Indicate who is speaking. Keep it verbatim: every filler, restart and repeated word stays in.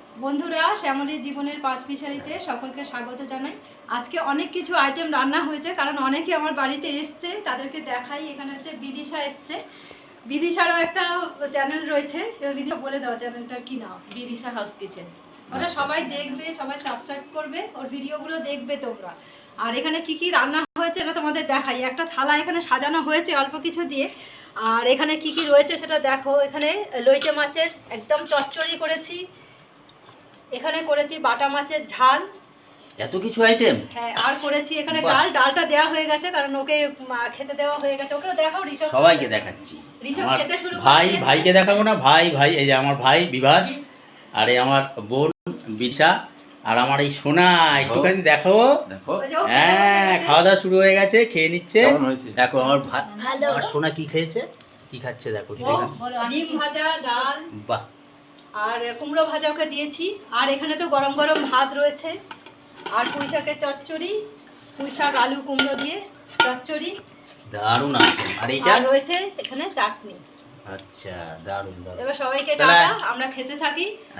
Speaker 1: বন্ধুরা, শ্যামলীর জীবনের পাঁচ মিশালিতে সকলকে স্বাগত জানাই। আজকে অনেক কিছু আইটেম রান্না হয়েছে, কারণ অনেকে আমার বাড়িতে এসছে, তাদেরকে দেখাই। এখানে হচ্ছে বিদিশা এসছে, বিদিশারও একটা চ্যানেল রয়েছে, বিদিশা বলে দাও চ্যানেলটার কি নাম?
Speaker 2: Bidisha house kitchen.
Speaker 1: ওটা সবাই দেখবে, সবাই সাবস্ক্রাইব করবে, ওর ভিডিওগুলো দেখবে তোমরা। আর এখানে কি কি রান্না হয়েছে এটা তোমাদের দেখাই। একটা থালা এখানে সাজানো হয়েছে অল্প কিছু দিয়ে। আর এখানে কি কি রয়েছে সেটা দেখো। এখানে লইটে মাছের একদম চচ্চড়ি করেছি, এখানে করেছি বাটা মাছের ঝাল,
Speaker 3: এত কিছু আইটেম।
Speaker 1: হ্যাঁ, আর করেছি এখানে ডাল। ডালটা দেওয়া হয়ে গেছে কারণ ওকে খেতে দেওয়া হয়ে গেছে। ওকেও দেখাও ঋষভ,
Speaker 3: সবাইকে দেখাচ্ছি।
Speaker 1: ঋষভ
Speaker 3: আমার
Speaker 1: খেতে শুরু
Speaker 3: ভাই
Speaker 1: করে
Speaker 3: ভাইকে দেখাবো না? ভাই ভাই এই যে আমার ভাই বিভাস, আর এই আমার বোন বিশা, আর আমার এই সোনা। একটুখানি দেখো।
Speaker 4: দেখো
Speaker 3: হ্যাঁ, খাওয়া দাওয়া শুরু হয়ে গেছে, খেয়ে নিচ্ছে।
Speaker 4: কেমন হয়েছে?
Speaker 3: দেখো আমার ভাই, আমার সোনা কি খেয়েছে, কি খাচ্ছে দেখো। ঠিক আছে,
Speaker 1: ডিম ভাজা, ডাল
Speaker 3: বাহ।
Speaker 1: আর কুমড়ো ভাজা ওকে দিয়েছি। আর এখানে তো গরম গরম ভাত রয়েছে, আর পুঁই শাকের চচ্চড়ি, পুঁই শাক আলু কুমড়ো দিয়ে চচ্চড়ি,
Speaker 3: দারুণ আছে। আর এইটা
Speaker 1: আর রয়েছে এখানে চাটনি।
Speaker 3: আচ্ছা, দারুণ দারুণ।
Speaker 1: এবার সবাইকে
Speaker 3: তাহলে-
Speaker 1: টাটা, আমরা খেতে থাকি।